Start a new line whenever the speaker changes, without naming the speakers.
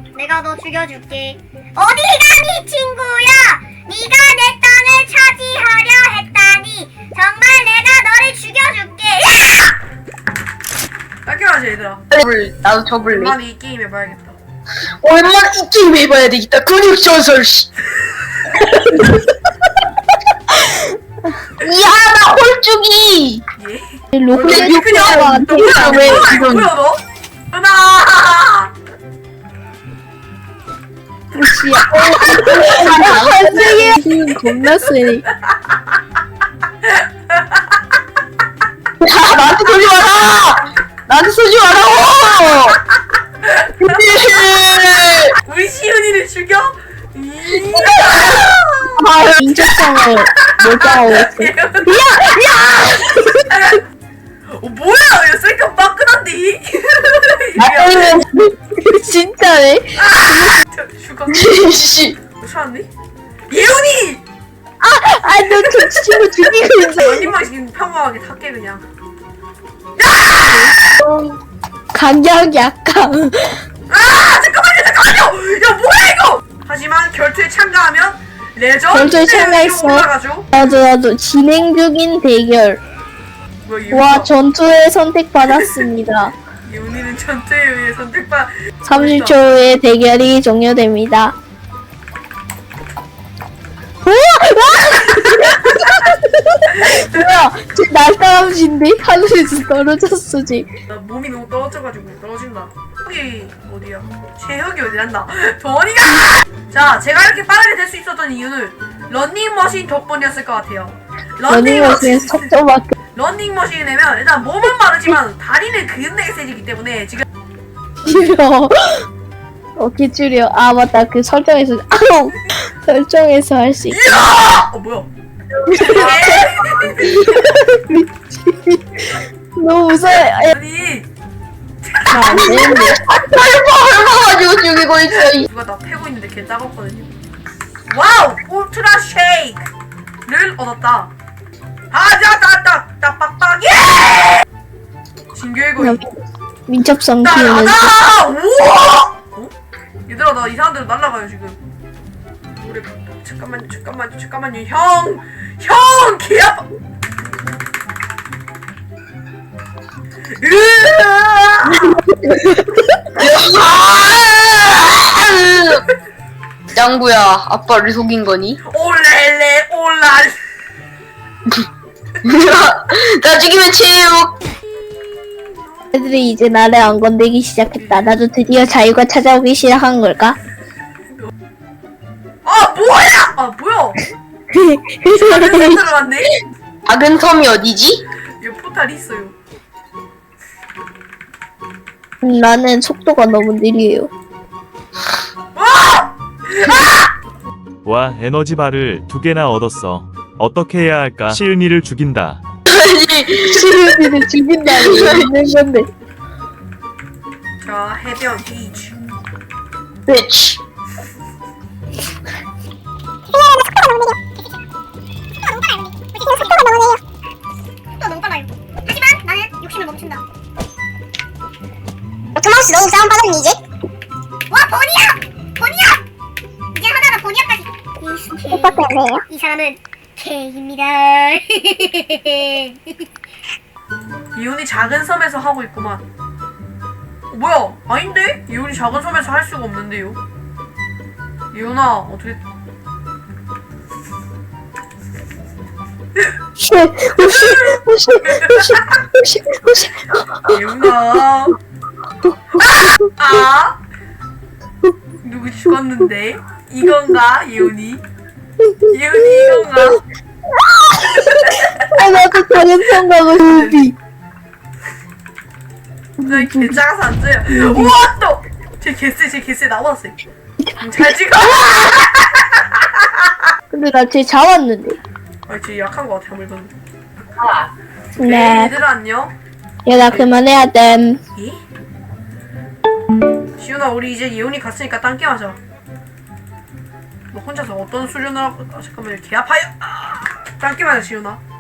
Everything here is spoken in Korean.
내가 너 죽여줄게. 어디 가니 친구야? 네가 내 땅을 차지하려 했다니 정말 내가 너를 죽여줄게. 야!
깎여야지 얘들아.
나도 접을래.
오랜만에 이 게임 해봐야겠다.
오랜만에 이 게임 해봐야 되겠다. 근육전설 씨. 미안하다 홀쭉이.
예?
로켓
그냥
너
뭐야
왜
이거
이건-
뭐야 너? 누나!
씨야. 한승이 힘 겁나 세네.
야 나한테 쏘지 마라. 나한테 쏘지 마라고.
우리 시은이를 죽여?
인적성을 몰빵하고 있어.
뭐야? 야 셀카 빠끈한데?
아니면
진짜네.
죽어.
씨.
괜찮니? 예은이!
너 저 친구 죽이고 있어.
언니만 지금 평범하게 탈게 그냥.
간격 약간.
아 잠깐만요. 야 뭐야 이거? 하지만 결투에 참가하면 레전드
결투에 참가했어.
올라가죠.
나도 진행 중인 대결.
뭐야 이거?
와 전투에 선택받았습니다.
예은이는 전투에 의해 선택받.
30초 후에 대결이 종료됩니다. 뭐야? 저 날다람쥐인데? 하늘에서 떨어졌어 지.
나 몸이 너무 떨어져가지고 떨어진다. 여기 어디야? 최혁이 어디란다? 도원이가! 자, 제가 이렇게 빠르게 될 수 있었던 이유는 런닝머신 덕분이었을 것 같아요.
러닝머신에 속도밖에.
런닝머신이 되면 일단 몸은 마르지만 다리는 근되게 세지기 때문에 지금
줄여. 어떻게 줄여? 아 맞다 그 설정에서 아우 설정에서 할 수 있.
이야! 뭐야?
너무 무서워.
아니
안 되는데.
얼마가지고 죽이고 있어.
누가 나 패고 있는데 걔 따갑거든요. 와우! 울트라 쉐이크를 얻었다. 아자따따따 빡빡 예! 진교의 거인.
민첩성 키우는.
나나나! 우와! 어? 얘들아 나 이상한 데로 날아가요 지금. 우리 잠깐만요 형 개아파.
짱구야 아빠를 속인 거니?
올렐레 올랄.
나 죽이면 체육.
애들이 이제 나를 안 건들기 시작했다. 나도 드디어 자유가 찾아오기 시작한 걸까?
아 뭐야? 잘못 들어갔네.
작은 섬이 어디지?
여기 포탈이 있어요.
나는 속도가 너무 느려요.
와 에너지바를 2개나 얻었어. 어떻게 해야 할까? 시은이를 죽인다.
아니
시루디를 죽인다니 있는 건데.
자 해변 비치.
bitch.
또 너무 빨라요. 하지만 나는 욕심을 멈춘다. 토마스 너무 싸움 빠졌니 이제? 와 보니야! 이제 하나가 보니야까지. 오빠 때문에요? 이 사람은 K입니다.
이온이 작은 섬에서 하고 있구만. 뭐야? 아닌데? 이온이 작은 섬에서 할 수가 없는데요? 이온아 어떻게? 이온아. 아? 누구 죽었는데? 이건가? 이온이? 이건가?
아 나도 다른 생각을 루비.
나 개작아서 안 써요. 우와 또! 제 개쎄 나왔어. 잘 찍어.
근데 나 쟤 잡았는데.
아, 쟤 약한 거 같아 아무래도.
네.
얘들아 안녕.
야 나 그만해야 됨.
예? 시윤아 우리 이제 예원이 갔으니까 딴 게임 하자. 너 혼자서 어떤 수련을 하고 잠깐만요 개 아파요. 딴 게임 하자 시윤아.